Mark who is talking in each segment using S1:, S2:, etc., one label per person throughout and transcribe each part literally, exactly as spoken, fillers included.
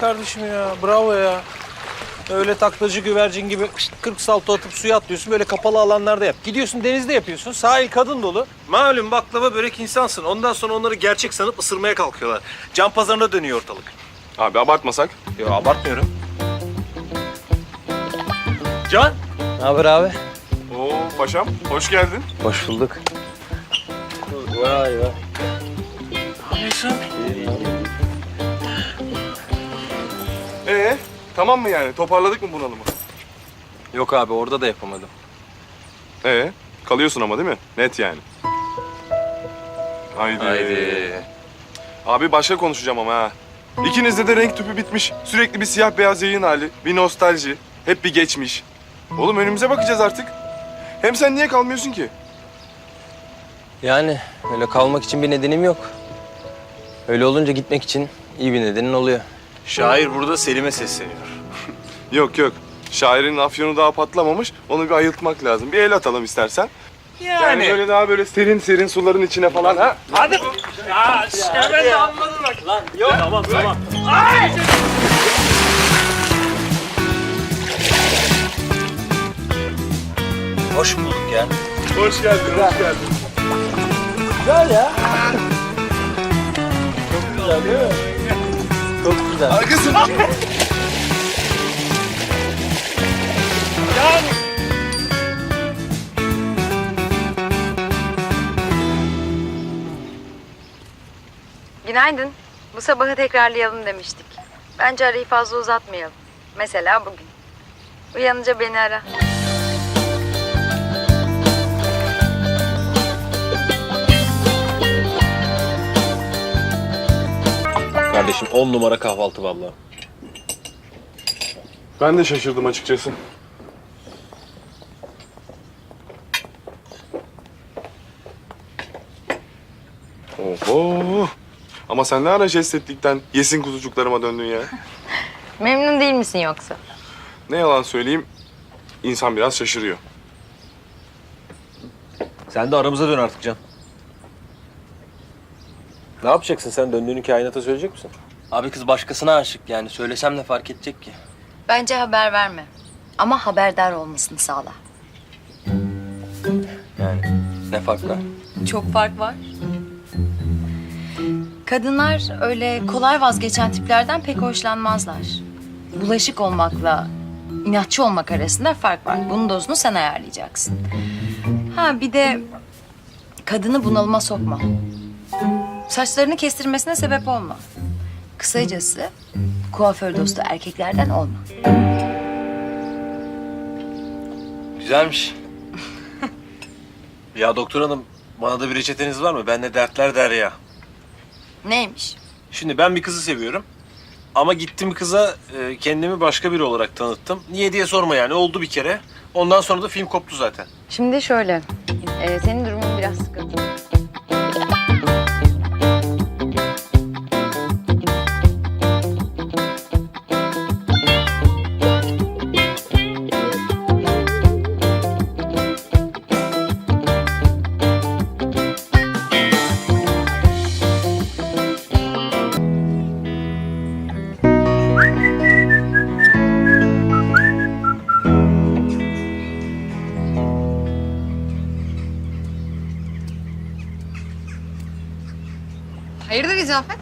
S1: kardeşim ya. Bravo ya. Öyle taklacı güvercin gibi kırk salto atıp suya atlıyorsun. Böyle kapalı alanlarda yap. Gidiyorsun denizde yapıyorsun. Sahil kadın dolu. Malum baklava börek insansın. Ondan sonra onları gerçek sanıp ısırmaya kalkıyorlar. Can pazarına dönüyor ortalık.
S2: Abi abartmasak.
S1: Yok abartmıyorum. Can. Ne haber abi?
S2: Oo paşam, hoş geldin.
S1: Hoş bulduk. Vay vay. Ne yapıyorsun?
S2: Ee, tamam mı yani? Toparladık mı bunalımı?
S1: Yok abi orada da yapamadım.
S2: Ee, kalıyorsun ama değil mi? Net yani. Haydi.
S1: Haydi.
S2: Abi başka konuşacağım ama ha. İkinizde de renk tüpü bitmiş. Sürekli bir siyah beyaz yayın hali. Bir nostalji. Hep bir geçmiş. Oğlum önümüze bakacağız artık. Hem sen niye kalmıyorsun ki?
S3: Yani öyle kalmak için bir nedenim yok. Öyle olunca gitmek için iyi bir nedenin oluyor.
S1: Şair burada Selim'e sesleniyor.
S2: Yok yok. Şairin afyonu daha patlamamış. Onu bir ayıltmak lazım. Bir el atalım istersen.
S1: Yani.
S2: Yani böyle daha böyle serin serin suların içine falan ha.
S1: Hadi. Ya hemen de anladın bak. Lan yok. Tamam tamam. Ay! Hoş bulduk ya.
S2: Hoş geldin, hoş geldin.
S3: Güzel ya. Çok güzel değil mi? Çok güzel.
S2: Arkasın.
S4: Günaydın. Bu sabahı tekrarlayalım demiştik. Bence arayı fazla uzatmayalım. Mesela bugün. Uyanınca beni ara.
S1: Kardeşim on numara kahvaltı vallahi.
S2: Ben de şaşırdım açıkçası. Oho. Ama sen ne ara jest ettikten yesin kuzucuklarıma döndün ya.
S4: Memnun değil misin yoksa?
S2: Ne yalan söyleyeyim, insan biraz şaşırıyor.
S1: Sen de aramıza dön artık Can. Ne yapacaksın sen? Döndüğünü kainata söyleyecek misin?
S3: Abi kız başkasına aşık yani. Söylesem ne fark edecek ki?
S4: Bence haber verme. Ama haberdar olmasını sağla.
S3: Yani ne fark var?
S4: Çok fark var. Kadınlar öyle kolay vazgeçen tiplerden pek hoşlanmazlar. Bulaşık olmakla inatçı olmak arasında fark var. Bunun dozunu sen ayarlayacaksın. Ha bir de kadını bunalıma sokma. Saçlarını kestirmesine sebep olma. Kısacası kuaför dostu erkeklerden olma.
S3: Güzelmiş.
S1: Ya doktor hanım bana da bir reçeteniz var mı? Bende dertler der ya.
S4: Neymiş?
S1: Şimdi ben bir kızı seviyorum. Ama gittim kıza e, kendimi başka biri olarak tanıttım. Niye diye sorma yani oldu bir kere. Ondan sonra da film koptu zaten.
S4: Şimdi şöyle, e, senin durumun biraz sıkıntı.
S5: Hayırdır İzafet?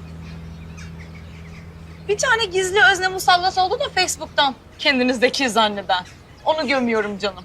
S6: Bir tane gizli özne musallat oldu da Facebook'tan. Kendinizdeki zanneden. Onu gömüyorum canım.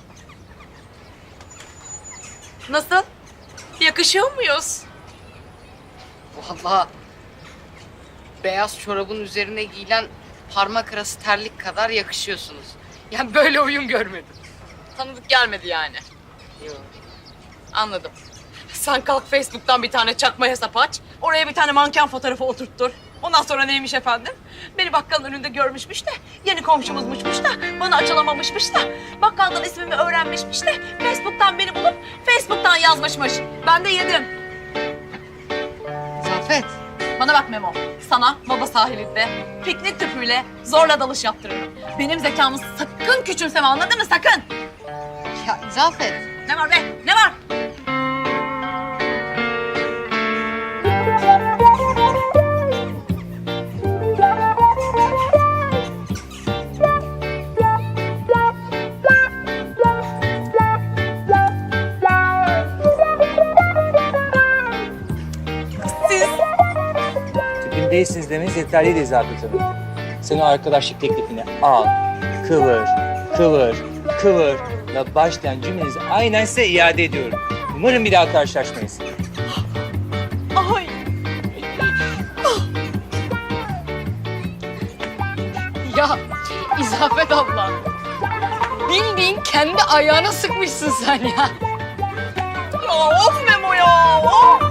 S6: Nasıl? Yakışıyor muyuz?
S5: Vallahi beyaz çorabın üzerine giyilen parmak arası terlik kadar yakışıyorsunuz. Yani böyle uyum görmedim.
S6: Tanıdık gelmedi yani. Anladım. Sen kalk Facebook'tan bir tane çakma hesap aç. Oraya bir tane manken fotoğrafı oturttur. Ondan sonra neymiş efendim? Beni bakkalın önünde görmüşmüş de, yeni komşumuzmuşmuş da, bana açılamamışmış da, bakkaldan ismimi öğrenmişmiş de, Facebook'tan beni bulup Facebook'tan yazmışmış. Ben de yedim.
S5: İzafet,
S6: Bana bak Memo, sana baba sahilinde piknik tüpüyle zorla dalış yaptırırım. Benim zekamı sakın küçümseme, anladın mı? Sakın!
S5: ya İzafet.
S6: Ne var be? Ne var?
S7: değilsiniz demeniz yeterliydi İzafet Hanım. Sen o arkadaşlık teklifini al, kıvır, kıvır, kıvır ve başlayan cümlenizi aynen size iade ediyorum. Umarım bir daha karşılaşmayız.
S6: Ay.
S5: Ya İzafet abla. Bildiğin kendi ayağına sıkmışsın sen ya.
S6: Ya of Memo ya. Of.